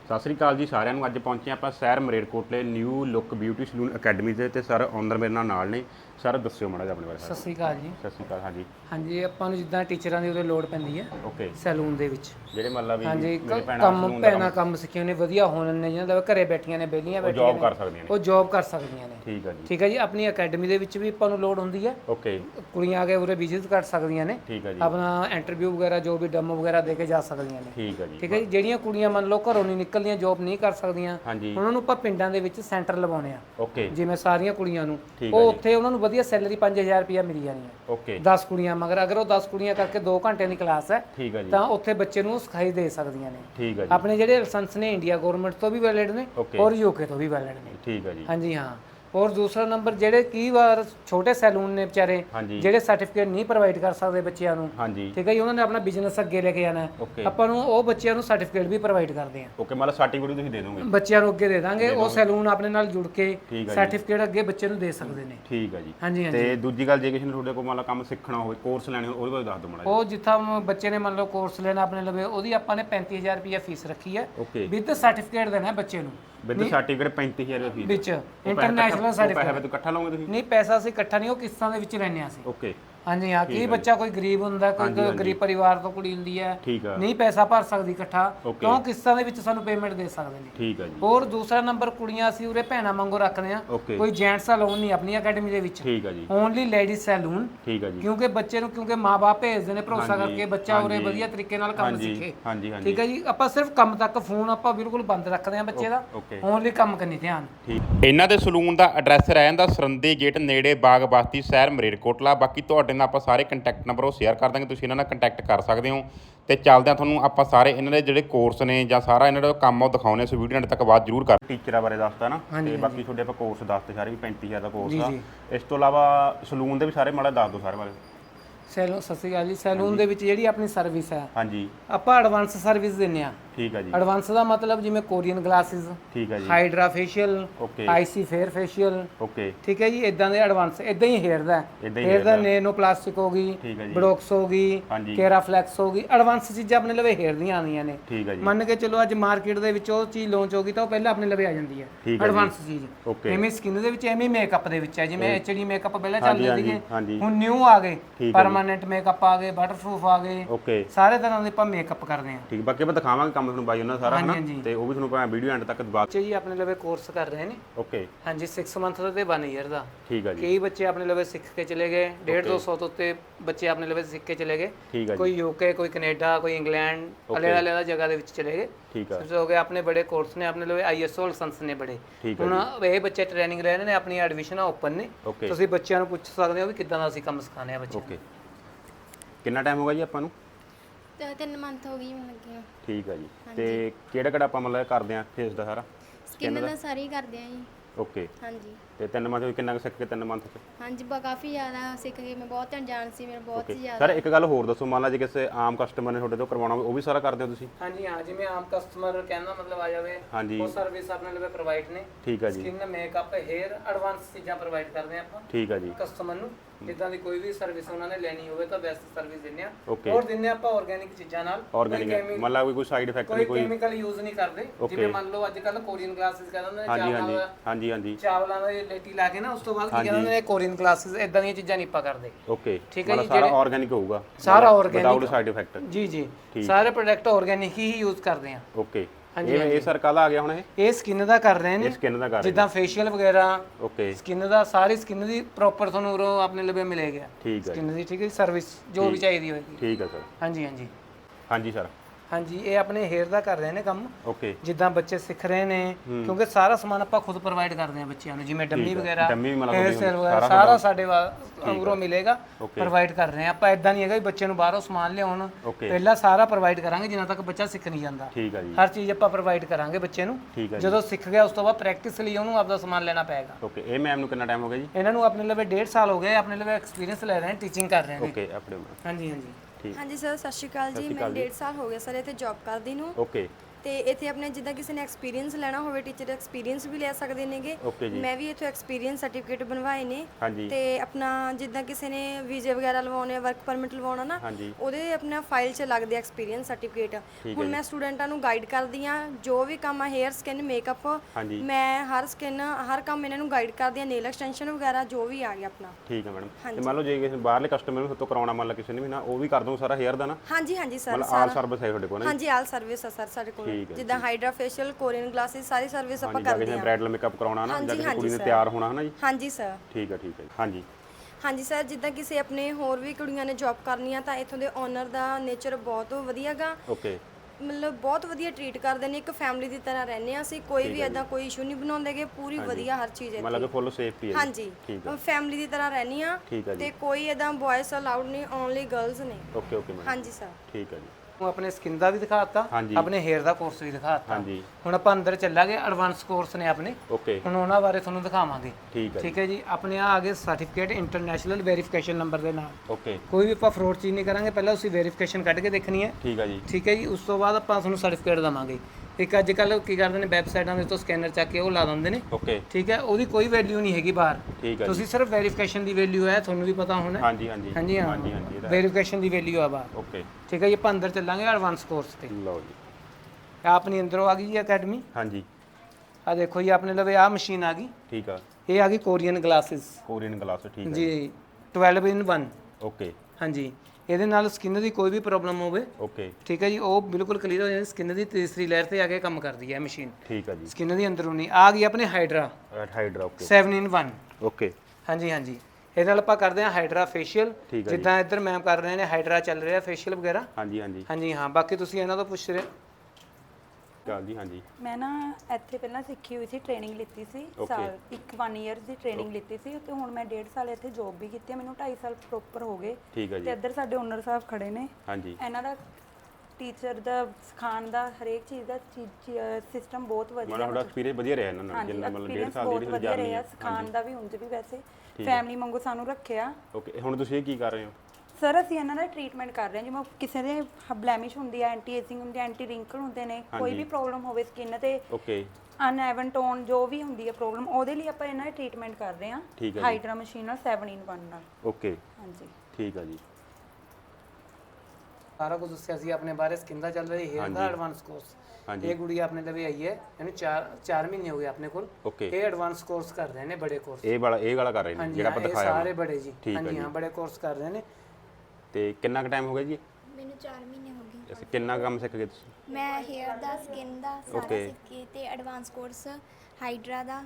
ਸਤਿ ਸ੍ਰੀ ਅਕਾਲ ਜੀ ਸਾਰਿਆਂ ਨੂੰ। ਅੱਜ ਪਹੁੰਚੇ ਆਪਾਂ ਸ਼ਹਿਰ ਮਰੇਰਕੋਟਲੇ new look beauty salon academy ਤੇ ਸਰ ਓਨਰ ਮੇਰੇ ਨਾਲ ਨੇ। ਸਰ ਦੱਸਿਓ ਮਾੜਾ ਜਿਹਾ ਆਪਣੇ ਬਾਰੇ। ਸਤਿ ਸ੍ਰੀ ਅਕਾਲ ਜੀ। ਸਤਿ ਸ੍ਰੀ ਅਕਾਲ। ਹਾਂਜੀ ਹਾਂਜੀ, ਆਪਾਂ ਨੂੰ ਜਿੱਦਾਂ ਟੀਚਰਾਂ ਦੀ ਉਹਦੇ ਲੋੜ ਪੈਂਦੀ ਹੈ ਓਕੇ ਸੈਲੂਨ ਦੇ ਵਿੱਚ, ਜਿਹੜੇ ਮਤਲਬ ਵੀ ਹਾਂਜੀ ਮੇਰੇ ਕੰਮ ਸਿੱਖੇ ਨੇ ਵਧੀਆ ਹੋਣ ਨੇ, ਜਿਹਨਾਂ ਦਾ ਘਰੇ ਬੈਠੀਆਂ ਨੇ, ਵਿਹਲੀਆਂ ਬੈਠੀਆਂ ਜੌਬ ਕਰ ਸਕਦੀਆਂ ਨੇ, ਉਹ ਜੌਬ ਕਰ ਸਕਦੀਆਂ ਨੇ। ਠੀਕ ਹੈ ਜੀ। ਠੀਕ ਹੈ ਜੀ। ਆਪਣੀ ਅਕੈਡਮੀ ਦੇ ਵਿੱਚ ਵੀ ਆਪਾਂ ਨੂੰ ਲੋੜ ਹੁੰਦੀ ਹੈ। ਓਕੇ ਕੁੜੀਆਂ ਆ ਕੇ ਉਰੇ ਵਿਜ਼ਿਟ ਕਰ ਸਕਦੀਆਂ ਨੇ, ਠੀਕ ਹੈ ਜੀ। ਆਪਣਾ ਇੰਟਰਵਿਊ ਵਗੈਰਾ ਜੋ ਵੀ ਡੈਮੋ ਵਗੈਰਾ ਦੇ ਕੇ ਜਾ ਸਕਦੀਆਂ ਨੇ। ਠੀਕ ਹੈ ਜੀ। ਠੀਕ ਹੈ ਜੀ। ਜਿਹੜੀਆਂ ਕੁੜੀਆਂ ਮੰਨ ਲਓ ਘਰੋਂ ਨਹੀਂ ਨਿਕਲਦੀਆਂ, ਜੌਬ ਨਹੀਂ ਕਰ ਸਕਦੀਆਂ, ਉਹਨਾਂ ਨੂੰ ਆਪਾਂ ਪਿੰਡਾਂ ਦੇ ਵਿੱਚ ਸੈਂਟਰ ਲਵਾਉਣੇ ਆ। ਓਕੇ ਜਿਵੇਂ ਸਾਰੀਆਂ ਕੁੜੀਆਂ ਨੂੰ ਉਹ ਉੱਥੇ ਉਹਨਾਂ ਨੂੰ ਵਧੀਆ ਸੈਲਰੀ 5000 ਰੁਪਇਆ ਮਿਲ ਜਾਣੀ ਹੈ। ਓਕੇ 10 ਕੁੜੀਆਂ ਮਗਰ ਅਗਰ ਉਹ 10 ਕੁੜੀਆਂ ਕਰਕੇ 2 ਘੰਟੇ ਦੀ ਕਲਾਸ ਹੈ ਠੀਕ ਹੈ ਜੀ, ਤਾਂ ਉੱਥੇ ਬੱਚੇ ਨੂੰ ਸਿਖਾਈ ਦੇ ਸਕਦੀਆਂ ਨੇ। ਠੀਕ ਹੈ ਜੀ। ਆਪਣੇ ਜਿਹੜੇ ਲਾਇਸੈਂਸ ਨੇ ਇੰਡੀਆ ਗਵਰਨਮੈਂਟ ਤੋਂ ਵੀ ਵੈਲਿਡ ਨੇ ਔਰ ਯੂਕੇ ਤੋਂ ਵੀ ਵੈਲਿਡ ਨੇ। ਠੀਕ ਹੈ ਜੀ। ਹਾਂਜੀ ਹਾਂ। ਔਰ ਦੂਸਰਾ ਨੰਬਰ, ਜਿਹੜੇ ਕਈ ਵਾਰ ਛੋਟੇ ਸੈਲੂਨ ਨੇ ਵਿਚਾਰੇ ਜਿਹੜੇ ਸਰਟੀਫਿਕੇਟ ਨਹੀਂ ਪ੍ਰੋਵਾਈਡ ਕਰ ਸਕਦੇ ਬੱਚਿਆਂ ਨੂੰ, ਠੀਕ ਹੈ ਜੀ, ਉਹਨਾਂ ਨੇ ਆਪਣਾ ਬਿਜ਼ਨਸ ਅੱਗੇ ਲੈ ਕੇ ਜਾਣਾ, ਆਪਾਂ ਨੂੰ ਉਹ ਬੱਚਿਆਂ ਨੂੰ ਸਰਟੀਫਿਕੇਟ ਵੀ ਪ੍ਰੋਵਾਈਡ ਕਰਦੇ ਆ। ਓਕੇ ਮਤਲਬ ਸਰਟੀਫਿਕੇਟ ਤੁਸੀਂ ਦੇ ਦੋਗੇ ਬੱਚਿਆਂ ਨੂੰ, ਅੱਗੇ ਦੇ ਦਾਂਗੇ। ਉਹ ਸੈਲੂਨ ਆਪਣੇ ਨਾਲ ਜੁੜ ਕੇ ਸਰਟੀਫਿਕੇਟ ਅੱਗੇ ਬੱਚੇ ਨੂੰ ਦੇ ਸਕਦੇ ਨੇ। ਠੀਕ ਹੈ ਜੀ। ਹਾਂਜੀ ਹਾਂਜੀ। ਤੇ ਦੂਜੀ ਗੱਲ, ਜੇ ਕਿਸੇ ਨੇ ਤੁਹਾਡੇ ਕੋਲ ਮੰਨ ਲਓ ਕੰਮ ਸਿੱਖਣਾ ਹੋਵੇ, ਕੋਰਸ ਲੈਣੇ ਹੋਵੇ, ਉਹਦੇ ਬਾਰੇ ਦੱਸ ਦਿਓ ਮਾੜਾ ਜਿਹਾ। ਉਹ ਜਿੱਥਾਂ ਬੱਚੇ ਨੇ ਮੰਨ ਲਓ ਕੋਰਸ ਲੈਣਾ ਆਪਣੇ ਲਵੇ, ਉਹਦੀ ਆਪਾਂ ਨੇ 35000 ਰੁਪਏ ਫੀਸ ਰੱਖੀ ਹੈ। ਓਕੇ ਵਿਦ ਸਰਟੀਫਿਕੇਟ ਦੇਣਾ ਬੱਚੇ ਨੂੰ, ਵਿਦ ਸਰਟੀਫਿਕੇਟ 35000 ਰੁਪਏ ਫੀਸ ਵਿੱਚ ਇੰਟਰਨੈਸ਼ਨਲ ਸਰਟੀਫਿਕੇਟ। ਪੈਸੇ ਇਕੱਠਾ ਲਾਉਂਗੇ ਤੁਸੀਂ? ਨਹੀਂ, ਪੈਸਾ ਅਸੀਂ ਇਕੱਠਾ ਨਹੀਂ, ਉਹ ਕਿਸ਼ਤਾਂ ਦੇ ਵਿੱਚ ਲੈਣੇ ਆ ਅਸੀਂ। ਓਕੇ ਹਾਂਜੀ ਹਾਂ। ਕੀ ਬੱਚਾ ਕੋਈ ਗਰੀਬ ਹੁੰਦਾ, ਕੋਈ ਗਰੀਬ ਪਰਿਵਾਰ ਤੋਂ ਕੁੜੀ ਹੁੰਦੀ ਹੈ, ਨਹੀਂ ਪੈਸਾ ਭਰ ਸਕਦੀ ਇਕੱਠਾ, ਤਾਂ ਉਹ ਕਿਸ਼ਤਾਂ ਦੇ ਵਿੱਚ ਸਾਨੂੰ ਪੇਮੈਂਟ ਦੇ ਸਕਦੇ ਨੇ। ਠੀਕ ਹੈ ਜੀ। ਹੋਰ ਦੂਸਰਾ ਨੰਬਰ, ਕੁੜੀਆਂ ਅਸੀਂ ਉਰੇ ਭੈਣਾਂ ਵਾਂਗੂ ਰੱਖਦੇ ਆ। ਕੋਈ ਜੈਂਟਸ ਸੈਲੂਨ ਨਹੀਂ ਆਪਣੀ ਅਕੈਡਮੀ ਦੇ ਵਿੱਚ। ਠੀਕ ਹੈ ਜੀ। Only ladies salon. ਠੀਕ ਹੈ ਜੀ। ਕਿਉਂਕਿ ਬੱਚੇ ਨੂੰ, ਕਿਉਂਕਿ ਮਾਪੇ ਭੇਜਦੇ ਨੇ ਭਰੋਸਾ ਕਰਕੇ, ਬੱਚਾ ਉਰੇ ਵਧੀਆ ਤਰੀਕੇ ਨਾਲ ਕੰਮ ਸਿੱਖੇ। ਠੀਕ ਹੈ ਜੀ। ਆਪਾਂ ਸਿਰਫ ਕੰਮ ਤੱਕ, ਫੋਨ ਆਪਾਂ ਬਿਲਕੁਲ ਬੰਦ ਰੱਖਦੇ ਆ ਬੱਚੇ ਦਾ, ਓਨਲੀ ਕੰਮ ਕਰਨੀ ਧਿਆਨ। ਇਹਨਾਂ ਦੇ ਸਲੂਨ ਦਾ ਐਡਰੈਸ ਰਹਿ ਜਾਂਦਾ ਸਰੰਦੀ ਗੇਟ ਨੇੜੇ ਬਾਗ ਬਸਤੀ, ਸ਼ਹਿਰ ਮਰੇਰਕੋਟਲਾ। ਬਾਕੀ ਤੁਹਾਡੇ ਨਾਲ ਆਪਾਂ ਸਾਰੇ ਕੰਟੈਕਟ ਨੰਬਰ ਉਹ ਸ਼ੇਅਰ ਕਰ ਦਾਂਗੇ, ਤੁਸੀਂ ਇਹਨਾਂ ਨਾਲ ਕੰਟੈਕਟ ਕਰ ਸਕਦੇ ਹੋ। ਤੇ ਚੱਲਦੇ ਆ, ਤੁਹਾਨੂੰ ਆਪਾਂ ਸਾਰੇ ਇਹਨਾਂ ਦੇ ਜਿਹੜੇ ਕੋਰਸ ਨੇ ਜਾਂ ਸਾਰਾ ਇਹਨਾਂ ਦਾ ਕੰਮ ਉਹ ਦਿਖਾਉਣੇ ਆ। ਸੋ ਵੀਡੀਓ ਐਂਡ ਤੱਕ ਬਾਅਦ ਜ਼ਰੂਰ ਕਰ। ਟੀਚਰਾਂ ਬਾਰੇ ਦੱਸਤਾ ਨਾ, ਤੇ ਬਾਕੀ ਤੁਹਾਡੇ ਆਪਾਂ ਕੋਰਸ ਦੱਸਤੇ ਸਾਰੇ, ਵੀ 35000 ਦਾ ਕੋਰਸ ਆ। ਇਸ ਤੋਂ ਇਲਾਵਾ ਸਲੂਨ ਦੇ ਵੀ ਸਾਰੇ ਮਾੜਾ ਦੱਸ ਦਿਓ ਸਾਰੇ ਬਾਰੇ। ਸੈਲੂਨ, ਸਤਿ ਸ਼੍ਰੀ ਅਕਾਲ ਜੀ। ਸੈਲੂਨ ਦੇ ਵਿੱਚ ਜਿਹੜੀ ਆਪਣੀ ਸਰਵਿਸ ਹੈ, ਹਾਂਜੀ, ਆਪਾਂ ਐਡਵਾਂਸ ਸਰਵਿਸ ਦਿੰਨੇ ਆ। ਠੀਕ ਹੈ ਜੀ। ਐਡਵਾਂਸ ਦਾ ਮਤਲਬ ਜਿਵੇਂ ਕੋਰੀਅਨ ਗਲਾਸਿਸ, ਠੀਕ ਹੈ ਜੀ, hydra facial, icy fair facial, okay, ਠੀਕ ਹੈ ਜੀ। ਇਦਾਂ ਦੇ ਐਡਵਾਂਸ, ਇਦਾਂ ਹੀ ਹੇਅਰ ਦਾ ਨੈਨੋ ਪਲਾਸਟਿਕ ਹੋ ਗਈ, ਬੜੋਕਸ ਹੋ ਗਈ, ਕੇਰਾਫਲੈਕਸ ਹੋ ਗਈ, ਐਡਵਾਂਸ ਚੀਜ਼ਾਂ ਆਪਣੇ ਲਵੇ ਹੇਅਰ ਦੀਆਂ ਆਉਂਦੀਆਂ ਨੇ। ਠੀਕ ਹੈ ਜੀ। ਮੰਨ ਕੇ ਚਲੋ ਅੱਜ ਮਾਰਕੀਟ ਦੇ ਵਿੱਚ ਉਹ ਚੀਜ਼ ਲਾਂਚ ਹੋ ਗਈ ਤਾਂ ਉਹ ਪਹਿਲਾਂ ਆਪਣੇ ਲਵੇ ਆ ਜਾਂਦੀ ਹੈ ਐਡਵਾਂਸ ਚੀਜ਼। ਐਵੇਂ ਸਕਿਨ ਦੇ ਵਿੱਚ, ਐਵੇਂ ਮੇਕਅਪ ਦੇ ਵਿੱਚ ਹੈ, ਜਿਵੇਂ ਐਚਡੀ ਮੇਕਅਪ ਪਹਿਲਾਂ ਚੱਲਦੇ ਸੀਗੇ, ਹੁਣ ਨਿਊ ਆ ਗਏ, ਪਰਮਾਨੈਂਟ ਮੇਕਅਪ ਆ ਗਏ, ਵਾਟਰਪ੍ਰੂਫ ਆ ਗਏ, ਸਾਰੇ ਤਰ੍ਹਾਂ ਦੇ ਆਪਾਂ ਮੇਕਅਪ ਕਰਦੇ ਹਾਂ। ਠੀਕ, ਬਾਕੀ ਆਪਾਂ ਦਿਖਾਵਾਂਗੇ ਕੰਮ ਤੁਹਾਨੂੰ ਬਾਈ ਉਹਨਾਂ ਸਾਰਾ, ਤੇ ਉਹ ਵੀ ਤੁਹਾਨੂੰ ਭਾਵੇਂ ਵੀਡੀਓ ਐਂਡ ਤੱਕ ਬਾਅਦ ਜੀ ਆਪਣੇ ਲਵੇ ਕੋਰਸ ਕਰ ਰਹੇ ਨੇ। ਓਕੇ ਹਾਂਜੀ, 6 ਮੰਥ ਦਾ ਤੇ 1 ਈਅਰ ਦਾ। ਠੀਕ ਹੈ ਜੀ। ਕਈ ਬੱਚੇ ਆਪਣੇ ਲਵੇ ਸਿੱਖ ਕੇ ਚਲੇ ਗਏ, 150-200 ਤੋਂ ਉੱਤੇ ਬੱਚੇ ਆਪਣੇ ਲਵੇ ਸਿੱਖ ਕੇ ਚਲੇ ਗਏ। ਠੀਕ ਹੈ। ਕੋਈ ਯੂਕੇ, ਕੋਈ ਕੈਨੇਡਾ, ਕੋਈ ਇੰਗਲੈਂਡ, ਅਲੱਗ-ਅਲੱਗ ਜਗ੍ਹਾ ਦੇ ਵਿੱਚ ਚਲੇ ਗਏ। ਠੀਕ ਹੈ। ਹੋ ਗਏ ਆਪਣੇ ਬੜੇ ਕੋਰਸ ਨੇ ਆਪਣੇ ਲਵੇ, ਆਈਐਸਓ ਲਾਇਸੈਂਸ ਨੇ ਬੜੇ। ਹੁਣ ਇਹ ਬੱਚੇ ਟ੍ਰੇਨਿੰਗ ਲੈ ਰਹੇ ਨੇ, ਆਪਣੀ ਐਡਮਿਸ਼ਨ ਓਪਨ ਨੇ, ਤੁਸੀਂ ਬੱਚਿਆਂ ਨੂੰ ਪੁੱਛ ਸਕਦੇ ਹੋ ਵੀ ਕਿੱਦਾਂ ਦਾ ਅਸੀਂ ਕੰਮ ਸਿਖਾਉਂਦੇ ਆ ਬੱਚਿਆਂ ਨੂੰ। ਕਿੰਨਾ ਟਾਈਮ ਹੋ ਗਿਆ ਜੀ ਆਪਾਂ ਨੂੰ? 3 ਮੰਥ ਹੋ ਗਈ ਮੈਨੂੰ ਲੱਗੇ। ਠੀਕ ਹੈ ਜੀ। ਤੇ ਕਿਹੜਾ ਆਪਾਂ ਮਤਲਬ ਕਰਦੇ ਆ ਫੇਸ ਦਾ ਸਾਰਾ? ਸਕਿਨ ਦਾ ਸਾਰਾ ਹੀ ਕਰਦੇ ਆ ਜੀ। ਓਕੇ ਹਾਂਜੀ। ਤੇ 3 ਮੰਥ ਕਿੰਨਾ ਕੁ ਸਿੱਖ ਕੇ 3 ਮੰਥ ਚ? ਹਾਂਜੀ, ਕਾਫੀ ਜ਼ਿਆਦਾ ਸਿੱਖ ਗਈ ਮੈਂ, ਬਹੁਤ ਅਣਜਾਣ ਸੀ ਮੇਰਾ, ਬਹੁਤ ਜ਼ਿਆਦਾ। ਸਰ ਇੱਕ ਗੱਲ ਹੋਰ ਦੱਸੋ, ਮੰਨ ਲਾ ਜੇ ਕਿਸੇ ਆਮ ਕਸਟਮਰ ਨੇ ਤੁਹਾਡੇ ਤੋਂ ਕਰਵਾਉਣਾ ਹੋਵੇ, ਉਹ ਵੀ ਸਾਰਾ ਕਰਦੇ ਹੋ ਤੁਸੀਂ? ਹਾਂਜੀ ਹਾਂ, ਜਿਵੇਂ ਆਮ ਕਸਟਮਰ ਕਹਿੰਦਾ ਮਤਲਬ ਆ ਜਾਵੇ, ਉਹ ਸਰਵਿਸ ਆਪਣੇ ਲਵੇ ਪ੍ਰੋਵਾਈਡ ਨੇ। ਠੀਕ ਹੈ ਜੀ। ਸਕਿਨ, ਮੇਕਅਪ, ਹੇਅਰ, ਐਡਵਾਂਸ ਚੀਜ਼ਾਂ ਪ੍ਰੋਵਾਈਡ ਕਰਦੇ ਆ ਆਪਾਂ। ਠੀਕ ਹੈ ਜੀ। ਕਸਟਮਰ ਨੂੰ ਜਿੱਦਾਂ ਦੀ ਕੋਈ ਵੀ ਸਰਵਿਸ ਉਹਨਾਂ ਨੇ ਲੈਣੀ ਹੋਵੇ ਤਾਂ ਬੈਸਟ ਸਰਵਿਸ ਦਿੰਦੇ ਆ। ਹੋਰ ਦਿੰਦੇ ਆਪਾਂ ਆਰਗੈਨਿਕ ਚੀਜ਼ਾਂ ਨਾਲ, ਆਰਗੈਨਿਕ ਮਤਲਬ ਕੋਈ ਸਾਈਡ ਇਫੈਕਟ ਨਹੀਂ, ਕੋਈ ਕੈਮੀਕਲ ਯੂਜ਼ ਨਹੀਂ ਕਰਦੇ। ਜਿਵੇਂ ਮੰਨ ਲਓ ਅੱਜ ਕੱਲ ਕੋਰੀਅਨ ਗਲਾਸਿਸ ਕਹਿੰਦੇ ਨੇ, ਚਾਵਲਾਂ ਦਾ ਲੇਟੀ ਲਾ ਕੇ ਨਾ, ਉਸ ਤੋਂ ਬਾਅਦ ਕੀ ਕਹਿੰਦੇ ਨੇ ਕੋਰੀਅਨ ਗਲਾਸਿਸ, ਇਦਾਂ ਦੀਆਂ ਚੀਜ਼ਾਂ ਨਹੀਂ ਆਪਾਂ ਕਰਦੇ। ਓਕੇ, ਠੀਕ ਹੈ ਜੀ। ਸਾਰਾ ਆਰਗੈਨਿਕ ਹੋਊਗਾ, ਸਾਰਾ ਆਰਗੈਨਿਕ, ਵਿਦਆਊਟ ਸਾਈਡ ਇਫੈਕਟ। ਜੀ ਜੀ, ਸਾਰੇ ਪ੍ਰੋਡਕਟ ਆਰਗੈਨਿਕ ਹੀ ਯੂਜ਼ ਕਰਦੇ ਆ। ਓਕੇ। ਇਹ ਸਰ ਕੱਲ ਆ ਗਿਆ ਹੁਣ? ਇਹ ਸਕਿਨ ਦਾ ਕਰ ਰਹੇ ਨੇ, ਸਕਿਨ ਦਾ ਕਰ ਰਹੇ, ਜਿੱਦਾਂ ਫੇਸ਼ੀਅਲ ਵਗੈਰਾ। ਓਕੇ। ਸਕਿਨ ਦਾ, ਸਾਰੀ ਸਕਿਨ ਦੀ ਪ੍ਰੋਪਰ ਤੁਹਾਨੂੰ ਉਰੋਂ ਆਪਣੇ ਲਵੇ ਮਿਲੇਗਾ। ਠੀਕ ਹੈ। ਸਕਿਨ ਦੀ, ਠੀਕ ਹੈ, ਸਰਵਿਸ ਜੋ ਵੀ ਚਾਹੀਦੀ ਹੋਏਗੀ। ਠੀਕ ਹੈ ਸਰ। ਹਾਂਜੀ ਹਾਂਜੀ ਹਾਂਜੀ ਸਰ। ਹਾਂਜੀ, ਇਹ ਆਪਣੇ ਹੇਅਰ ਦਾ ਕਰ ਰਹੇ ਨੇ ਕੰਮ। ਓਕੇ। ਜਿੱਦਾਂ ਬੱਚੇ ਸਿੱਖ ਰਹੇ ਨੇ, ਕਿਉਂਕਿ ਸਾਰਾ ਸਮਾਨ ਆਪਾਂ ਖੁਦ ਪ੍ਰੋਵਾਈਡ ਕਰਦੇ ਹਾਂ ਬੱਚਿਆਂ ਨੂੰ, ਜਿਵੇਂ ਡੰਮੀ ਵਗੈਰਾ, ਹੇਅਰ ਸੈਲ ਵਗੈਰਾ, ਸਾਰਾ ਸਾਡੇ ਉਰੋਂ ਮਿਲੇਗਾ, ਪ੍ਰੋਵਾਈਡ ਕਰ ਰਹੇ ਹਾਂ ਆਪਾਂ। ਇਦਾਂ ਨਹੀਂ ਹੈਗਾ ਵੀ ਬੱਚੇ ਨੂੰ ਬਾਹਰੋਂ ਸਮਾਨ ਲਿਆਉਣ, ਪਹਿਲਾਂ ਸਾਰਾ ਪ੍ਰੋਵਾਈਡ ਕਰਾਂਗੇ ਜਿੰਨਾ ਤੱਕ ਬੱਚਾ ਸਿੱਖ ਨਹੀਂ ਜਾਂਦਾ। ਠੀਕ ਹੈ ਜੀ। ਹਰ ਚੀਜ਼ ਆਪਾਂ ਪ੍ਰੋਵਾਈਡ ਕਰਾਂਗੇ ਬੱਚੇ ਨੂੰ। ਜਦੋਂ ਸਿੱਖ ਗਿਆ ਉਸ ਤੋਂ ਬਾਅਦ ਪ੍ਰੈਕਟਿਸ ਲਈ ਉਹਨੂੰ ਆਪਦਾ ਸਮਾਨ ਲੈਣਾ ਪਏਗਾ। ਓਕੇ। ਇਹ ਮੈਮ ਨੂੰ ਕਿੰਨਾ ਟਾਈਮ ਹੋ ਗਿਆ ਜੀ? ਇਹਨਾਂ ਨੂੰ ਆਪਣੇ ਲਵੇ 1.5 ਸਾਲ ਹੋ ਗਏ, ਆਪਣੇ ਲਵੇ ਐਕਸਪੀਰੀਅੰਸ ਲੈ ਰਹੇ ਨੇ, ਟੀਚਿੰਗ ਕਰ ਰਹੇ ਨੇ। ਓਕੇ, ਆਪਣੇ। ਹਾਂਜੀ ਹਾਂਜੀ। ਹਾਂਜੀ ਸਰ, ਸਤਿ ਸ਼੍ਰੀ ਅਕਾਲ ਜੀ। ਮੈਂ 1.5 ਸਾਲ ਹੋ ਗਿਆ ਸਰ ਇੱਥੇ ਜੌਬ ਕਰਦੀ ਨੂੰ। ਓਕੇ। ਤੇ ਇੱਥੇ ਆਪਣੇ ਜਿੱਦਾਂ ਕਿਸੇ ਨੇ ਐਕਸਪੀਰੀਅੰਸ ਲੈਣਾ ਹੋਵੇ ਟੀਚਰ ਐਕਸਪੀਰੀਅੰਸ ਵੀ ਲੈ ਸਕਦੇ ਨੇਗੇ। ਮੈਂ ਵੀ ਇੱਥੋਂ ਐਕਸਪੀਰੀਅੰਸ ਸਰਟੀਫਿਕੇਟ ਬਣਵਾਏ ਨੇ ਤੇ ਆਪਣਾ ਜਿੱਦਾਂ ਕਿਸੇ ਨੇ ਵੀਜ਼ੇ ਵਗੈਰਾ ਲਵਾਉਣੇ ਵਰਕ ਪਰਮਿਟ ਲਵਾਉਣਾ ਨਾ ਉਹਦੇ ਆਪਣਾ ਫਾਈਲ 'ਚ ਲੱਗਦੇ ਐਕਸਪੀਰੀਅੰਸ ਸਰਟੀਫਿਕੇਟ। ਹੁਣ ਮੈਂ ਸਟੂਡੈਂਟਾਂ ਨੂੰ ਗਾਈਡ ਕਰਦੀ ਆ ਜੋ ਵੀ ਕੰਮ ਆ ਹੇਅਰ ਸਕਿਨ ਮੇਕਅਪ ਮੈਂ ਹਰ ਕੰਮ ਇਹਨਾਂ ਨੂੰ ਗਾਈਡ ਕਰਦੀ ਆ ਨੇਲ ਐਕਸਟੈਂਸ਼ਨ ਵਗੈਰਾ ਜੋ ਵੀ ਆ ਗਿਆ ਆਪਣਾ। ਠੀਕ ਹੈ ਮੈਡਮ। ਤੇ ਮੰਨ ਲਓ ਜੇ ਕਿਸੇ ਬਾਹਰਲੇ ਕਸਟਮਰ ਨੂੰ ਤੋਂ ਕਰਾਉਣਾ ਮੰਨ ਲਓ ਕਿਸੇ ਨੇ ਵੀ ਨਾ ਉਹ ਵੀ ਕਰ ਦੋ ਸਾਰਾ ਹੇਅਰ ਦਾ ਨਾ? ਹਾਂਜੀ ਹਾਂਜੀ ਸਰ ਮਤਲਬ ਆਲ ਸਰਵਿਸ ਹੈ ਤੁਹਾਡੇ ਕੋਲ ਨਾ? ਹਾਂਜੀ ਆਲ ਸਰਵਿਸ ਆ ਸਰ ਸਾਡੇ ਕੋਲ ਜਿੱਦਾਂ ਹਾਈਡਰਾ ਫੇਸ਼ੀਅਲ ਕੋਰੀਅਨ ਗਲਾਸਿਸ ਸਾਰੀ ਸਰਵਿਸ ਆਪਾਂ ਕਰਦੇ ਆ। ਬ੍ਰਾਈਡਲ ਮੇਕਅਪ ਕਰਾਉਣਾ ਨਾ ਜਾਂ ਕਿਸੇ ਕੁੜੀ ਨੇ ਤਿਆਰ ਹੋਣਾ ਹੈ ਨਾ ਜੀ? ਹਾਂਜੀ ਸਰ। ਠੀਕ ਹੈ ਹਾਂਜੀ ਹਾਂਜੀ ਸਰ ਜਿੱਦਾਂ ਕਿਸੇ ਆਪਣੇ ਹੋਰ ਵੀ ਕੁੜੀਆਂ ਨੇ ਜੌਬ ਕਰਨੀ ਆ ਤਾਂ ਇੱਥੋਂ ਦੇ ਓਨਰ ਦਾ ਨੇਚਰ ਬਹੁਤ ਵਧੀਆਗਾ। ਓਕੇ। ਮਤਲਬ ਬਹੁਤ ਵਧੀਆ ਟਰੀਟ ਕਰਦੇ ਨੇ ਇੱਕ ਫੈਮਿਲੀ ਦੀ ਤਰ੍ਹਾਂ ਰਹਿੰਦੇ ਆ ਅਸੀਂ ਕੋਈ ਵੀ ਇਦਾਂ ਕੋਈ ਇਸ਼ੂ ਨਹੀਂ ਬਣਾਉਂਦੇਗੇ ਪੂਰੀ ਵਧੀਆ ਹਰ ਚੀਜ਼ ਹੈ ਮਤਲਬ ਕਿ ਫੁੱਲ ਸੇਫਟੀ ਹੈ? ਹਾਂਜੀ ਫੈਮਿਲੀ ਦੀ ਤਰ੍ਹਾਂ ਰਹਿੰਦੀ ਆ ਤੇ ਕੋਈ ਇਦਾਂ ਬॉयਜ਼ ਅਲਾਉਡ ਨਹੀਂ ਓਨਲੀ ਗਰਲਸ ਨੇ। Okay madam. ਹਾਂਜੀ ਸਰ। ਠੀਕ ਹੈ ਜੀ। ਉਹ ਆਪਣੇ ਸਕਿਨ ਦਾ ਵੀ ਦਿਖਾਤਾ ਆਪਣੇ ਹੇਅਰ ਦਾ ਕੋਰਸ ਵੀ ਦਿਖਾਤਾ। ਹੁਣ ਆਪਾਂ ਅੰਦਰ ਚੱਲਾਂਗੇ ਐਡਵਾਂਸ ਕੋਰਸ ਨੇ ਆਪਣੇ ਓਕੇ ਹੁਣ ਉਹਨਾਂ ਬਾਰੇ ਤੁਹਾਨੂੰ ਦਿਖਾਵਾਂਗੇ। ਠੀਕ ਹੈ ਜੀ। ਆਪਣੇ ਆ ਗਏ ਸਰਟੀਫਿਕੇਟ ਇੰਟਰਨੈਸ਼ਨਲ ਵੈਰੀਫਿਕੇਸ਼ਨ ਨੰਬਰ ਦੇ ਨਾਲ। ਓਕੇ। ਕੋਈ ਵੀ ਆਪਾਂ ਫਰੋਡ ਚੀਜ਼ ਨਹੀਂ ਕਰਾਂਗੇ ਪਹਿਲਾਂ ਉਸੇ ਵੈਰੀਫਿਕੇਸ਼ਨ ਕੱਢ ਕੇ ਦੇਖਣੀ ਹੈ। ਠੀਕ ਹੈ ਜੀ। ਉਸ ਤੋਂ ਬਾਅਦ ਆਪਾਂ ਤੁਹਾਨੂੰ ਸਰਟੀਫਿਕੇਟ ਦਵਾਂਗੇ। ਇੱਕ ਅੱਜ ਕੱਲ੍ਹ ਕੀ ਕਰਦੇ ਨੇ ਵੈਬਸਾਈਟਾਂ ਦੇ ਤੋਂ ਸਕੈਨਰ ਚੱਕ ਕੇ ਉਹ ਲਾ ਦਿੰਦੇ ਨੇ। ਠੀਕ ਹੈ ਉਹਦੀ ਕੋਈ ਵੈਲਿਊ ਨਹੀਂ ਹੈਗੀ ਬਾਹਰ। ਤੁਸੀਂ ਸਿਰਫ ਵੈਰੀਫਿਕੇਸ਼ਨ ਦੀ ਵੈਲਿਊ ਹੈ ਤੁਹਾਨੂੰ ਵੀ ਪਤਾ ਹੋਣਾ। ਹਾਂਜੀ ਹਾਂ ਵੈਰੀਫਿਕੇਸ਼ਨ ਦੀ ਵੈਲਿਊ ਆ ਬਾਹਰ। ਓਕੇ। ਠੀਕ ਹੈ ਜੀ। ਆਪਾਂ ਅੰਦਰ ਚੱਲਾਂਗੇ ਐਡਵਾਂਸ ਕੋਰਸ ਤੇ। ਲਓ ਜੀ ਆਪਣੀ ਅੰਦਰੋਂ ਆ ਗਈ ਜੀ ਅਕੈਡਮੀ। ਹਾਂਜੀ ਆ ਦੇਖੋ ਜੀ ਆਪਣੇ ਲਵੇ ਆ ਮਸ਼ੀਨ ਆ ਗਈ। ਠੀਕ ਆ। ਇਹ ਆ ਗਈ ਕੋਰੀਅਨ ਗਲਾਸਿਸ। ਠੀਕ ਹੈ ਜੀ 12 in 1। ਓਕੇ। ਹਾਂਜੀ ਇਹਦੇ ਨਾਲ ਸਕਿਨ ਦੀ ਕੋਈ ਵੀ ਪ੍ਰੋਬਲਮ ਹੋਵੇ ਓਕੇ ਠੀਕ ਹੈ ਜੀ ਉਹ ਬਿਲਕੁਲ ਕਲੀਅਰ ਹੋ ਜਾਂਦੀ ਸਕਿਨ ਦੀ ਤੀਸਰੀ ਲੇਅਰ ਤੇ ਆ ਕੇ ਕੰਮ ਕਰਦੀ ਹੈ ਮਸ਼ੀਨ। ਠੀਕ ਹੈ ਜੀ। ਸਕਿਨ ਦੀ ਅੰਦਰੂਨੀ ਆ ਗਈ ਆਪਣੇ ਹਾਈਡਰਾ ਓਕੇ 7 in 1 ਓਕੇ। ਹਾਂਜੀ ਇਹਦੇ ਨਾਲ ਆਪਾਂ ਕਰਦੇ ਹਾਂ ਹਾਈਡਰਾ ਫੇਸ਼ੀਅਲ ਜਿੱਦਾਂ ਇੱਧਰ ਮੈਮ ਕਰ ਰਹੇ ਨੇ ਹਾਈਡਰਾ ਚੱਲ ਰਿਹਾ ਫੇਸ਼ੀਅਲ ਵਗੈਰਾ। ਹਾਂਜੀ ਹਾਂ ਬਾਕੀ ਤੁਸੀਂ ਇਹਨਾਂ ਤੋਂ ਪੁੱਛ ਰਹੇ ਹਾਂਜੀ ਮੈਂ ਨਾ ਇੱਥੇ ਪਹਿਲਾਂ ਸਿੱਖੀ ਹੋਈ ਸੀ ਟ੍ਰੇਨਿੰਗ ਲਿੱਤੀ ਸੀ ਸਾਲ 1 ਈਅਰ ਦੀ ਟ੍ਰੇਨਿੰਗ ਲਿੱਤੀ ਸੀ ਤੇ ਹੁਣ ਮੈਂ 1.5 ਸਾਲ ਇੱਥੇ ਜੌਬ ਵੀ ਕੀਤੀ ਹੈ ਮੈਨੂੰ 2.5 ਸਾਲ ਪ੍ਰੋਪਰ ਹੋ ਗਏ। ਤੇ ਇੱਧਰ ਸਾਡੇ ਓਨਰ ਸਾਹਿਬ ਖੜੇ ਨੇ। ਇਹਨਾਂ ਦਾ ਟੀਚਰ ਦਾ ਸਿਖਾਉਣ ਦਾ ਹਰੇਕ ਚੀਜ਼ ਦਾ ਸਿਸਟਮ ਬਹੁਤ ਵਧੀਆ ਤੁਹਾਡਾ ਐਕਸਪੀਰੀਅੰਸ ਵਧੀਆ ਰਿਹਾ ਇਹਨਾਂ ਨਾਲ ਜਿੰਨਾ ਮਤਲਬ 1.5 ਸਾਲ ਦੀ ਵਧੀਆ ਰਿਹਾ ਸਿਖਾਉਣ ਦਾ ਵੀ ਉਂਝ ਵੀ ਵੈਸੇ ਫੈਮਿਲੀ ਵਾਂਗੂ ਸਾਨੂੰ ਰੱਖਿਆ। ਓਕੇ ਹੁਣ ਤੁਸੀਂ ਕੀ ਕਰ ਰਹੇ ਹੋ? ਸਰ ਅਸੀਂ ਇਹਨਾਂ ਦਾ ਟ੍ਰੀਟਮੈਂਟ ਕਰ ਰਹੇ ਹਾਂ ਜਿਵੇਂ ਕਿਸੇ ਦੇ ਬਲੈਮਿਸ਼ ਹੁੰਦੀ ਹੈ ਐਂਟੀ ਏਜਿੰਗ ਹੁੰਦੀ ਹੈ ਐਂਟੀ ਰਿੰਕਲ ਹੁੰਦੇ ਨੇ ਕੋਈ ਵੀ ਪ੍ਰੋਬਲਮ ਹੋਵੇ ਸਕਿਨ ਤੇ ਓਕੇ ਅਨਐਵਨ ਟੋਨ ਜੋ ਵੀ ਹੁੰਦੀ ਹੈ ਪ੍ਰੋਬਲਮ ਉਹਦੇ ਲਈ ਆਪਾਂ ਇਹਨਾਂ ਦਾ ਟ੍ਰੀਟਮੈਂਟ ਕਰ ਰਹੇ ਹਾਂ ਹਾਈਡਰਾ ਮਸ਼ੀਨ ਨਾਲ 7 in 1 ਨਾਲ। ਓਕੇ ਹਾਂਜੀ ਠੀਕ ਆ ਜੀ। ਸਾਰਾ ਕੁਝ ਦੱਸਿਆ ਸੀ ਆਪਣੇ ਬਾਰੇ ਸਕਿਨ ਦਾ ਚੱਲ ਰਿਹਾ ਹੇਅਰ ਦਾ ਐਡਵਾਂਸ ਕੋਰਸ। ਇਹ ਗੁੜੀ ਆਪਣੇ ਲਈ ਆਈ ਹੈ ਇਹਨੂੰ 4 ਮਹੀਨੇ ਹੋ ਗਏ ਆਪਣੇ ਕੋਲ। ਇਹ ਐਡਵਾਂਸ ਕੋਰਸ ਕਰ ਰਹੇ ਨੇ ਬੜੇ ਕੋਰਸ। ਇਹ ਵਾਲਾ ਕਰ ਰਹੇ ਨੇ ਜਿਹੜਾ ਆਪਾਂ ਦਿਖਾਇਆ ਸਾਰੇ ਬੜੇ ਜੀ। ਹਾਂਜੀ ਹਾਂ ਬੜੇ ਕੋਰਸ ਕਰ ਰਹੇ ਨੇ। ਤੇ ਕਿੰਨਾ ਕੁ ਟਾਈਮ ਹੋ ਗਿਆ ਜੀ? ਮੈਨੂੰ 4 ਮਹੀਨੇ ਹੋ ਗਏ। ਅੱਛਾ ਕਿੰਨਾ ਕੰਮ ਸਿੱਖ ਗਏ ਤੁਸੀਂ? ਮੈਂ ਹੇਅਰ ਦਾ ਸਕਿਨ ਦਾ ਸਾਰਾ ਸਿੱਖ ਕੇ ਤੇ ਐਡਵਾਂਸ ਕੋਰਸ ਹਾਈਡਰਾ ਦਾ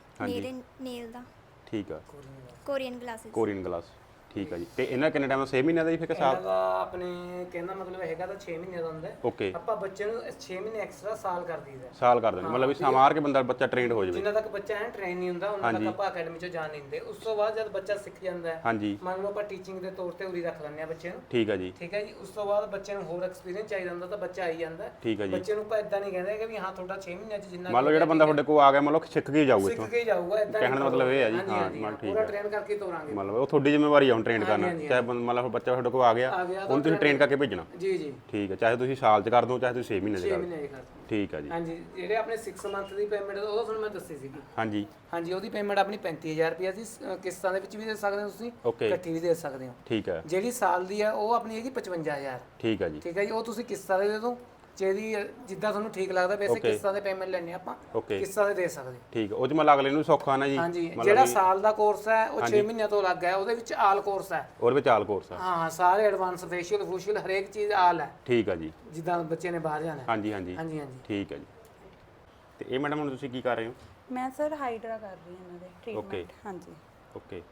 ਨੇਲ ਦਾ। ਠੀਕ ਆ। ਕੋਰੀਅਨ ਗਲਾਸ ਠੀਕ ਆ ਜੀ। ਤੇ ਇਹਨਾਂ ਕਿੰਨੇ ਟਾਈਮ 6 ਮਹੀਨਿਆਂ ਦਾ ਹੀ ਫਿਰ ਸਾਲ ਦਾ ਆਪਣੇ ਕਹਿੰਦਾ ਮਤਲਬ ਹੈਗਾ ਤਾਂ 6 ਮਹੀਨੇ ਦਾ ਹੁੰਦਾ ਹੈ। ਆਪਾਂ ਬੱਚੇ ਨੂੰ 6 ਮਹੀਨੇ ਐਕਸਟਰਾ ਸਾਲ ਕਰ ਦਈਦਾ। ਸਾਲ ਕਰ ਦਿੰਦੇ ਮਤਲਬ ਵੀ ਸਮਾਰ ਕੇ ਬੰਦਾ ਬੱਚਾ ਟ੍ਰੇਨਡ ਹੋ ਜਾਵੇ। ਜਿੰਨਾ ਤੱਕ ਬੱਚਾ ਹੈ ਟ੍ਰੇਨ ਨਹੀਂ ਹੁੰਦਾ ਉਹਨਾਂ ਤੱਕ ਆਪਾਂ ਅਕੈਡਮੀ 'ਚ ਜਾਣ ਨਹੀਂ ਦਿੰਦੇ। ਉਸ ਤੋਂ ਬਾਅਦ ਜਦ ਬੱਚਾ ਸਿੱਖ ਜਾਂਦਾ ਹੈ ਮੰਨ ਲਓ ਆਪਾਂ ਟੀਚਿੰਗ ਦੇ ਤੌਰ ਤੇ ਉਰੀ ਰੱਖ ਲੈਂਦੇ ਆ ਬੱਚੇ ਨੂੰ। ਠੀਕ ਹੈ ਜੀ। ਠੀਕ ਹੈ ਜੀ। ਉਸ ਤੋਂ ਬਾਅਦ ਬੱਚੇ ਨੂੰ ਹੋਰ ਐਕਸਪੀਰੀਅੰਸ ਚਾਹੀਦਾ ਹੁੰਦਾ ਤਾਂ ਬੱਚਾ ਆਈ ਜਾਂਦਾ। ਠੀਕ ਹੈ ਜੀ। ਬੱਚੇ ਨੂੰ ਆਪਾਂ ਇਦਾਂ ਨਹੀਂ ਕਹਿੰਦੇ ਕਿ ਵੀ ਹਾਂ ਤੁਹਾਡਾ 6 ਮਹੀਨਿਆਂ 'ਚ ਜਿੰਨਾ ਮੰਨ ਲਓ ਜਿਹੜਾ ਬੰਦਾ ਤੁਹਾਡੇ ਕੋਲ ਆ ਗਿਆ ਮੰਨ ਲਓ ਸਿੱਖ ਕੇ ਜਾਊਗਾ ਇੱਥੋਂ। ਸਿੱਖ ਕੇ ਜਾਊਗਾ ਇਦਾਂ ਕਹਿਣ ਦਾ ਮਤਲਬ ਇਹ ਹੈ ਜੀ। ਹਾਂ ਠੀਕ ਹੈ ਪੂਰਾ ਟ੍ਰੇਨ ਕਰਕੇ ਤੋਰਾਂਗੇ ਮਤਲਬ ਉਹ ਤੁਹਾਡੀ ਜ਼ਿੰਮੇਵਾਰੀ ਆ ਹੁਣ ਟ੍ਰੇਨ ਕਰਨਾ। ਚਾਹੇ ਮਤਲਬ ਬੱਚਾ ਤੁਹਾਡੇ ਕੋਲ ਆ ਗਿਆ ਉਹਨੂੰ ਤੁਸੀਂ ਟ੍ਰੇਨ ਕਰਕੇ ਭੇਜਣਾ। ਜੀ ਠੀਕ ਹੈ ਚਾਹੇ ਤੁਸੀਂ ਸਾਲ 'ਚ ਕਰ ਦੋ ਚਾਹੇ ਤੁਸੀਂ 6 ਮਹੀਨੇ 'ਚ ਕਰ ਦੋ। ਠੀਕ ਹੈ ਜੀ। ਹਾਂਜੀ ਜਿਹੜੇ ਆਪਣੇ 6 ਮੰਥ ਦੀ ਪੇਮੈਂਟ ਉਹ ਤੁਹਾਨੂੰ ਮੈਂ ਦੱਸੀ ਸੀਗੀ। ਹਾਂਜੀ ਉਹਦੀ ਪੇਮੈਂਟ ਆਪਣੀ 35000 ਰੁਪਏ ਦੀ ਕਿਸ਼ਤਾਂ ਦੇ ਵਿੱਚ ਵੀ ਦੇ ਸਕਦੇ ਹੋ ਤੁਸੀਂ ਇਕੱਠੀ ਵੀ ਦੇ ਸਕਦੇ ਹੋ। ਠੀਕ ਹੈ। ਜਿਹੜੀ ਸਾਲ ਦੀ ਹੈ ਉਹ ਆਪਣੀ ਹੈਗੀ 55000। ਠੀਕ ਹੈ ਜੀ। ਠੀਕ ਹੈ ਜੀ। ਉਹ ਤੁਸੀਂ ਕਿਸ਼ਤਾਂ ਦੇ ਦਿਓ ਜਿਹਦੀ ਜਿੱਦਾਂ ਤੁਹਾਨੂੰ ਠੀਕ ਲੱਗਦਾ ਵੈਸੇ ਕਿਸ਼ਤਾਂ ਦੇ ਪੇਮੈਂਟ ਲੈਣੇ ਆਪਾਂ ਕਿਸ਼ਤਾਂ ਦੇ ਸਕ ਠੀਕ ਹੈ। ਉਹ 'ਚ ਮਤਲਬ ਅਗਲੇ ਨੂੰ ਸੌਖਾ ਨਾ ਜੀ। ਹਾਂਜੀ ਜਿਹੜਾ ਸਾਲ ਦਾ ਕੋਰਸ ਹੈ ਉਹ 6 ਮਹੀਨਿਆਂ ਤੋਂ ਲੱਗ ਹੈ ਉਹਦੇ ਵਿੱਚ ਆਲ ਕੋਰਸ ਹੈ। ਉਹਦੇ ਵਿੱਚ ਆਲ ਕੋਰਸ ਹੈ। ਹਾਂ ਸਾਰੇ ਐਡਵਾਂਸ ਫੇਸ਼ੀਅਲ ਹਰੇਕ ਚੀਜ਼ ਆਲ ਹੈ। ਠੀਕ ਹੈ ਜੀ। ਜਿੱਦਾਂ ਬੱਚੇ ਨੇ ਬਾਹਰ ਜਾਣਾ। ਹਾਂਜੀ ਠੀਕ ਹੈ ਜੀ। ਤੇ ਇਹ ਮੈਡਮ ਹੁਣ ਤੁਸੀਂ ਕੀ ਕਰ ਰਹੇ ਹੋ? ਮੈਂ ਸਰ ਹਾਈਡਰਾ ਕਰ ਰਹੀ ਹਾਂ ਇਹਨਾਂ ਦੇ ਟ੍ਰੀਟਮੈਂਟ। ਹਾਂਜੀ ਓਕੇ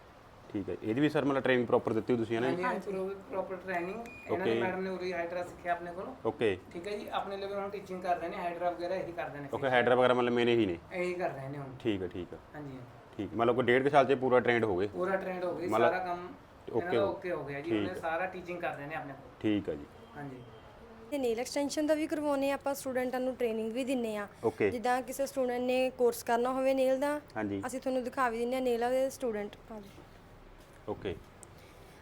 ਠੀਕ ਹੈ। ਇਹਦੀ ਵੀ ਸਰ ਮਤਲਬ ਟ੍ਰੇਨਿੰਗ ਪ੍ਰੋਪਰ ਦਿੱਤੀ ਤੁਸੀਂ ਹੈ ਨਾ? ਹਾਂਜੀ ਪ੍ਰੋਪਰ ਟ੍ਰੇਨਿੰਗ ਇਹਨਾਂ ਨੇ ਮੈਡਮ ਨੇ ਉਰੀ ਹਾਈਡਰਾ ਸਿੱਖਿਆ ਆਪਣੇ ਕੋਲੋਂ। ਓਕੇ ਠੀਕ ਹੈ ਜੀ। ਆਪਣੇ ਲਈ ਹੁਣ ਟੀਚਿੰਗ ਕਰ ਰਹੇ ਨੇ ਹਾਈਡਰਾ ਵਗੈਰਾ ਇਹੀ ਕਰਦੇ ਨੇ। ਓਕੇ ਹਾਈਡਰਾ ਵਗੈਰਾ ਮਤਲਬ ਮੇਰੇ ਹੀ ਨੇ ਇਹੀ ਕਰ ਰਹੇ ਨੇ ਹੁਣ। ਠੀਕ ਹੈ ਹਾਂਜੀ ਠੀਕ ਮਤਲਬ ਕੋਈ 1.5 ਸਾਲ 'ਚ ਪੂਰਾ ਟ੍ਰੇਨਡ ਹੋ ਗਏ? ਪੂਰਾ ਟ੍ਰੇਨਡ ਹੋ ਗਏ ਸਾਰਾ ਕੰਮ ਓਕੇ ਹੋ ਗਿਆ ਜੀ। ਉਹਨੇ ਸਾਰਾ ਟੀਚਿੰਗ ਕਰ ਰਹੇ ਨੇ ਆਪਣੇ ਕੋਲ। ਠੀਕ ਹੈ ਜੀ। ਹਾਂਜੀ ਤੇ ਨੇਲ ਐਕਸਟੈਂਸ਼ਨ ਦਾ ਵੀ ਕਰਵਾਉਨੇ ਆਪਾਂ ਸਟੂਡੈਂਟਾਂ ਨੂੰ ਟ੍ਰੇਨਿੰਗ ਵੀ ਦਿੰਨੇ ਆ। ਜਿੱਦਾਂ ਕਿਸੇ ਸਟੂਡੈਂਟ ਨੇ ਕੋਰਸ ਕਰਨਾ ਹੋਵੇ ਨੇਲ ਦਾ ਅਸੀਂ ਤੁਹਾਨੂੰ ਦਿਖਾ ਵੀ ਦਿੰਨੇ ਆ ਨੇਲ ਵਾਲੇ ਸਟੂਡੈਂਟ। ਓਕੇ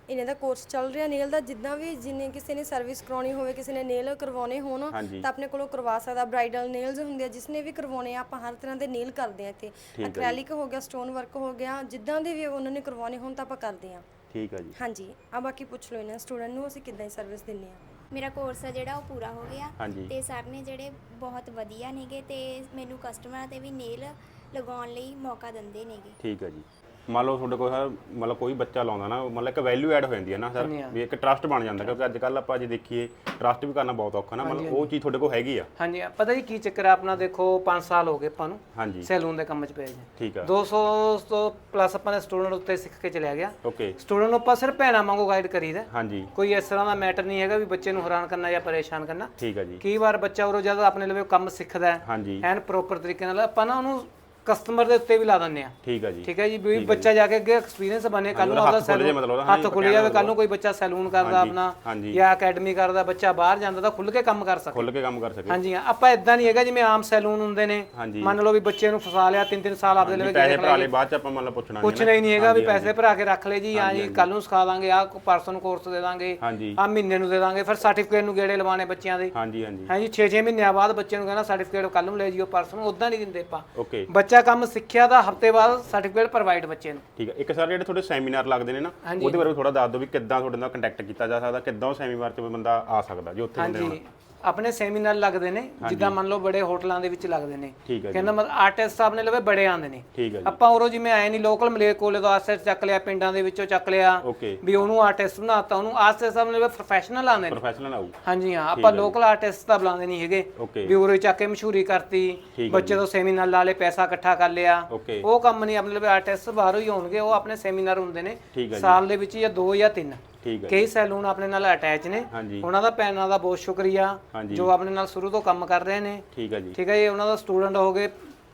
ਇਹਨਾਂ ਦਾ ਕੋਰਸ ਚੱਲ ਰਿਹਾ ਨੇਲ ਦਾ। ਜਿੱਦਾਂ ਵੀ ਜਿੰਨੇ ਕਿਸੇ ਨੇ ਸਰਵਿਸ ਕਰਾਉਣੀ ਹੋਵੇ, ਕਿਸੇ ਨੇ ਨੇਲ ਕਰਵਾਉਣੇ ਹੋਣ ਤਾਂ ਆਪਣੇ ਕੋਲੋਂ ਕਰਵਾ ਸਕਦਾ। ਬ੍ਰਾਈਡਲ ਨੇਲਸ ਹੁੰਦੇ ਆ, ਜਿਸਨੇ ਵੀ ਕਰਵਾਉਣੇ ਆ, ਆਪਾਂ ਹਰ ਤਰ੍ਹਾਂ ਦੇ ਨੇਲ ਕਰਦੇ ਆ ਇੱਥੇ। ਐਕ੍ਰੈਲਿਕ ਹੋ ਗਿਆ, ਸਟੋਨ ਵਰਕ ਹੋ ਗਿਆ, ਜਿੱਦਾਂ ਦੇ ਵੀ ਉਹਨਾਂ ਨੇ ਕਰਵਾਉਣੇ ਹੋਣ ਤਾਂ ਆਪਾਂ ਕਰਦੇ ਆ। ਠੀਕ ਹੈ ਜੀ। ਹਾਂਜੀ, ਆ ਬਾਕੀ ਪੁੱਛ ਲਓ ਇਹਨਾਂ ਸਟੂਡੈਂਟ ਨੂੰ ਅਸੀਂ ਕਿੱਦਾਂ ਦੀ ਸਰਵਿਸ ਦਿੰਦੇ ਆ। ਮੇਰਾ ਕੋਰਸ ਆ ਜਿਹੜਾ ਉਹ ਪੂਰਾ ਹੋ ਗਿਆ ਹਾਂਜੀ। ਤੇ ਸਰ ਨੇ ਜਿਹੜੇ ਬਹੁਤ ਵਧੀਆ ਨੇਗੇ ਤੇ ਮੈਨੂੰ ਕਸਟਮਰਾਂ ਤੇ ਵੀ ਨੇਲ ਲਗਾਉਣ ਲਈ ਮੌਕਾ ਦਿੰਦੇ ਨੇਗੇ। ਠੀਕ ਹੈ ਜੀ। ਮੰਨ ਲਓ ਤੁਹਾਡੇ ਕੋਲ ਸਰ ਮਤਲਬ ਕੋਈ ਬੱਚਾ ਲਾਉਂਦਾ ਨਾ, ਮਤਲਬ ਇੱਕ ਵੈਲਿਊ ਐਡ ਹੋ ਜਾਂਦੀ ਹੈ ਨਾ ਸਰ, ਵੀ ਇੱਕ ਟਰਸਟ ਬਣ ਜਾਂਦਾ, ਕਿਉਂਕਿ ਅੱਜ ਕੱਲ ਆਪਾਂ ਜੇ ਦੇਖੀਏ ਟਰਸਟ ਵੀ ਕਰਨਾ ਬਹੁਤ ਔਖਾ ਨਾ, ਮਤਲਬ ਉਹ ਚੀਜ਼ ਤੁਹਾਡੇ ਕੋਲ ਹੈਗੀ ਆ। ਹਾਂਜੀ, ਪਤਾ ਜੀ ਕੀ ਚੱਕਰ ਆ ਆਪਣਾ, ਦੇਖੋ 5 ਸਾਲ ਹੋ ਗਏ ਆਪਾਂ ਨੂੰ ਹਾਂਜੀ ਸੈਲੂਨ ਦੇ ਕੰਮ 'ਚ ਪਏ ਜੀ। ਠੀਕ ਆ। 200 ਤੋਂ ਪਲੱਸ ਆਪਾਂ ਨੇ ਸਟੂਡੈਂਟ ਉੱਤੇ ਸਿੱਖ ਕੇ ਚਲਿਆ ਗਿਆ। ਓਕੇ। ਸਟੂਡੈਂਟ ਨੂੰ ਆਪਾਂ ਸਿਰਫ ਭੈਣਾਂ ਵਾਂਗੂ ਗਾਈਡ ਕਰੀਦਾ। ਹਾਂਜੀ। ਕੋਈ ਇਸ ਤਰ੍ਹਾਂ ਦਾ ਮੈਟਰ ਨਹੀਂ ਹੈਗਾ ਵੀ ਬੱਚੇ ਨੂੰ ਹੈਰਾਨ ਕਰਨਾ ਜਾਂ ਪਰੇਸ਼ਾਨ ਕਰਨਾ। ਠੀਕ ਹੈ ਜੀ। ਕਈ ਵਾਰ ਬੱਚਾ ਉਰੋਂ ਜਦੋਂ ਆਪਣੇ ਲਵੇ ਕੰਮ ਸਿੱਖਦਾ ਹੈ ਹਾਂਜੀ ਐਨ ਪ੍ਰੋਪਰ ਤਰੀਕੇ ਨਾਲ, ਆਪਾਂ ਨਾ ਉਹਨੂੰ ਕਸਟਮਰ ਦੇ ਉੱਤੇ ਵੀ ਲਾ ਦਿੰਦੇ ਆ। ਠੀਕ ਹੈ ਜੀ। ਠੀਕ ਹੈ ਜੀ, ਵੀ ਬੱਚਾ ਜਾ ਕੇ ਅੱਗੇ ਐਕਸਪੀਰੀਅੰਸ ਬਣੇ, ਕੱਲ ਨੂੰ ਆਪਦਾ ਸੈਲੂਨ ਹੱਥ ਖੁੱਲ ਜਾਵੇ, ਕੱਲ ਨੂੰ ਕੋਈ ਬੱਚਾ ਸੈਲੂਨ ਕਰਦਾ ਆਪਣਾ ਜਾਂ ਅਕੈਡਮੀ ਕਰਦਾ, ਬੱਚਾ ਬਾਹਰ ਜਾਂਦਾ ਤਾਂ ਖੁੱਲ ਕੇ ਕੰਮ ਕਰ ਸਕੇ। ਖੁੱਲ ਕੇ ਕੰਮ ਕਰ ਸਕੇ। ਹਾਂਜੀ, ਆਪਾਂ ਇਦਾਂ ਨਹੀਂ ਹੈਗਾ ਜਿਵੇਂ ਆਮ ਸੈਲੂਨ ਹੁੰਦੇ ਨੇ, ਮੰਨ ਲਓ ਵੀ ਬੱਚੇ ਨੂੰ ਫਸਾ ਲਿਆ 3-3 ਸਾਲ ਆਪਦੇ ਲਈ ਪੈਸੇ ਭਰਾ ਲਏ, ਬਾਅਦ ਚ ਆਪਾਂ ਮਤਲਬ ਪੁੱਛਣਾ ਹੀ ਨਹੀਂ ਹੈਗਾ ਵੀ ਪੈਸੇ ਭਰਾ ਕੇ ਰੱਖ ਲਏ ਜੀ, ਹਾਂ ਜੀ ਕੱਲ ਨੂੰ ਸਿਖਾ ਦਾਂਗੇ, ਆਹ ਪਰਸਨ ਨੂੰ ਕੋਰਸ ਦੇ ਦਾਂਗੇ, ਆਹ ਮਹੀਨੇ ਨੂੰ ਦੇ ਦਾਂਗੇ, ਫਿਰ ਸਰਟੀਫਿਕੇਟ ਨੂੰ ਗੇੜੇ ਲਵਾਣੇ ਬੱਚਿਆਂ ਦੇ। ਹਾਂਜੀ ਹਾਂਜੀ। ਹਾਂਜੀ, 6-6 ਮਹੀਨਿਆਂ ਬਾਅਦ ਬੱਚੇ ਨੂੰ ਕਹਿੰਦਾ ਸਰਟੀਫਿਕੇਟ ਕੱਲ ਨੂੰ ਲੈ ਜਿਓ ਪਰਸਨ, ਉਦਾਂ ਨਹੀਂ ਦਿੰਦੇ ਆਪਾਂ। ਓਕੇ। ਬੱਚਾ ਕੰਮ ਸਿੱਖਿਆ ਦਾ ਹਫਤੇ ਬਾਅਦ ਸਰਟੀਫਿਕੇਟ ਪ੍ਰੋਵਾਈਡ ਬੱਚੇ ਨੂੰ। ਠੀਕ ਹੈ। ਇੱਕ ਸਰ ਜਿਹੜੇ ਤੁਹਾਡੇ ਸੈਮੀਨਾਰ ਲੱਗਦੇ ਨੇ ਨਾ, ਉਹਦੇ ਬਾਰੇ ਥੋੜਾ ਦੱਸ ਦਿਓ ਵੀ ਕਿੱਦਾਂ ਤੁਹਾਡੇ ਨਾਲ ਕੰਟੈਕਟ ਕੀਤਾ ਜਾ ਸਕਦਾ, ਕਿੱਦਾਂ ਉਹ ਸੈਮੀਨਾਰ 'ਚ ਬੰਦਾ ਆ ਸਕਦਾ ਜੇ ਉੱਥੇ ਬੰਦੇ ਹੋਣ। ਆਪਣੇ ਸੈਮੀਨਾਰ ਲੱਗਦੇ ਨੇ, ਜਿੱਦਾਂ ਮੰਨ ਲਓ ਬੜੇ ਹੋਟਲਾਂ ਦੇ ਵਿੱਚ ਲੱਗਦੇ ਨੇ। ਠੀਕ ਹੈ। ਕਹਿੰਦਾ ਮਤਲਬ ਆਰਟਿਸਟ ਆਪਣੇ ਲਵੇ ਬੜੇ ਆਉਂਦੇ ਨੇ। ਠੀਕ ਹੈ ਜੀ। ਆਪਾਂ ਉਰੋਂ ਜਿਵੇਂ ਆਏ ਨਹੀਂ ਲੋਕਲ ਮਲੇ ਕੋਲੇ ਤੋਂ ਆਸਟਿਸਟ ਚੱਕ ਲਿਆ, ਪਿੰਡਾਂ ਦੇ ਵਿੱਚੋਂ ਚੱਕ ਲਿਆ, ਓਕੇ, ਵੀ ਉਹਨੂੰ ਆਰਟਿਸਟ ਬਣਾਤਾ, ਉਹਨੂੰ ਆਸਟਿਸਟ ਆਪਣੇ ਲਵੇ ਪ੍ਰੋਫੈਸ਼ਨਲ ਆਉਂਦੇ ਨੇ। ਪ੍ਰੋਫੈਸ਼ਨਲ ਆਊ। ਹਾਂਜੀ ਹਾਂ, ਆਪਾਂ ਲੋਕਲ ਆਰਟਿਸਟ ਤਾਂ ਬੁਲਾਉਂਦੇ ਨਹੀਂ ਹੈਗੇ ਵੀ ਉਰੇ ਚੱਕ ਕੇ ਮਸ਼ਹੂਰੀ ਕਰਤੀ, ਬੱਚੇ ਤੋਂ ਸੈਮੀਨਾਰ ਲਾ ਲੇ, ਪੈਸਾ ਇਕੱਠਾ ਕਰ ਲਿਆ, ਉਹ ਕੰਮ ਨਹੀਂ। ਆਪਣੇ ਲਵੇ ਆਰਟਿਸਟ ਬਾਹਰੋਂ ਹੀ ਆਉਣਗੇ, ਉਹ ਆਪਣੇ ਸੈਮੀਨਾਰ ਹੁੰਦੇ ਨੇ ਸਾਲ ਦੇ ਵਿੱਚ ਜਾਂ 2 ਜਾਂ 3। ਕਈ ਸੈਲੂਨ ਆਪਣੇ ਨਾਲ ਅਟੈਚ ਨੇ, ਉਹਨਾਂ ਦਾ ਪੈਨਾਂ ਦਾ ਬਹੁਤ ਸ਼ੁਕਰੀਆ ਜੋ ਆਪਣੇ ਨਾਲ ਸ਼ੁਰੂ ਤੋਂ ਕੰਮ ਕਰ ਰਹੇ ਨੇ। ਠੀਕ ਹੈ ਜੀ। ਠੀਕ ਹੈ ਜੀ, ਉਹਨਾਂ ਦਾ ਸਟੂਡੈਂਟ ਹੋ ਗਏ।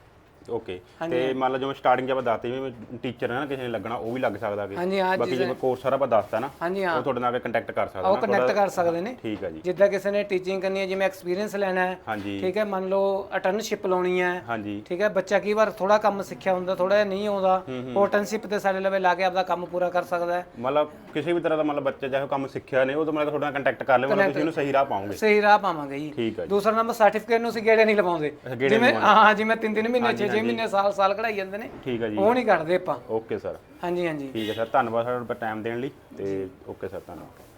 ਓਕੇ। ਤੇ ਮੰਨ ਲਓ ਜਿਵੇਂ ਸਟਾਰਟਿੰਗ 'ਚ ਆਪਾਂ ਦੱਸਦੇ ਜਿਵੇਂ ਟੀਚਰ ਹੈ ਨਾ, ਕਿਸੇ ਨੇ ਲੱਗਣਾ ਉਹ ਵੀ ਲੱਗ ਸਕਦਾ ਕਿ ਬਾਕੀ ਜਿਵੇਂ ਕੋਰਸ ਸਾਰਾ ਆਪਾਂ ਦੱਸਤਾ ਨਾ, ਉਹ ਤੁਹਾਡੇ ਨਾਲ ਕੰਟੈਕਟ ਕਰ ਸਕਦਾ, ਉਹ ਕੰਟੈਕਟ ਕਰ ਸਕਦੇ ਨੇ। ਠੀਕ ਹੈ ਜੀ। ਜਿੱਦਾਂ ਕਿਸੇ ਨੇ ਟੀਚਿੰਗ ਕਰਨੀ ਹੈ, ਜਿਵੇਂ ਐਕਸਪੀਰੀਅੰਸ ਲੈਣਾ ਹੈ, ਠੀਕ ਹੈ, ਮੰਨ ਲਓ ਅਟਰਨਸ਼ਿਪ ਲਾਉਣੀ ਹੈ, ਠੀਕ ਹੈ, ਬੱਚਾ ਕਈ ਵਾਰ ਥੋੜਾ ਕੰਮ ਸਿੱਖਿਆ ਹੁੰਦਾ, ਥੋੜਾ ਜਿਹਾ ਨਹੀਂ ਆਉਂਦਾ, ਉਹ ਅਟਰਨਸ਼ਿਪ ਤੇ ਸਾਡੇ ਲਵੇ ਲਾ ਕੇ ਆਪਦਾ ਕੰਮ ਪੂਰਾ ਕਰ ਸਕਦਾ ਹੈ। ਮਤਲਬ ਕਿਸੇ ਵੀ ਤਰ੍ਹਾਂ ਦਾ ਮਤਲਬ ਬੱਚਾ ਚਾਹੇ ਕੰਮ ਸਿੱਖਿਆ ਨਹੀਂ, ਉਹ ਤਾਂ ਮਤਲਬ ਤੁਹਾਡੇ ਨਾਲ ਕੰਟੈਕਟ ਕਰ ਲਿਓ, ਤੁਸੀਂ ਇਹਨੂੰ ਸਹੀ ਰਾਹ ਪਾਓਗੇ। ਸਹੀ ਰਾਹ ਪਾਵਾਂਗੇ ਜੀ। ਠੀਕ ਹੈ। ਦੂਸਰਾ ਨੰਬਰ ਸਰਟੀਫਿਕੇਟ ਨੂੰ ਅਸੀਂ ਗੇੜੇ ਨਹੀਂ ਲਵਾਉਂਦੇ, ਜਿਵੇਂ ਹਾਂ ਜਿਵੇਂ 3-3 ਮਹੀਨੇ 6-6 ਮਹੀਨੇ ਸਾਲ ਕਢਾਈ ਜਾਂਦੇ ਨੇ। ਠੀਕ ਹੈ ਜੀ। ਉਹ ਨਹੀਂ ਕੱਢਦੇ ਆਪਾਂ। Okay sir. ਹਾਂਜੀ ਹਾਂਜੀ। ਠੀਕ ਹੈ ਸਰ, ਧੰਨਵਾਦ ਸਰ ਟਾਈਮ ਦੇਣ ਲਈ, ਤੇ ਓਕੇ ਸਰ, ਧੰਨਵਾਦ।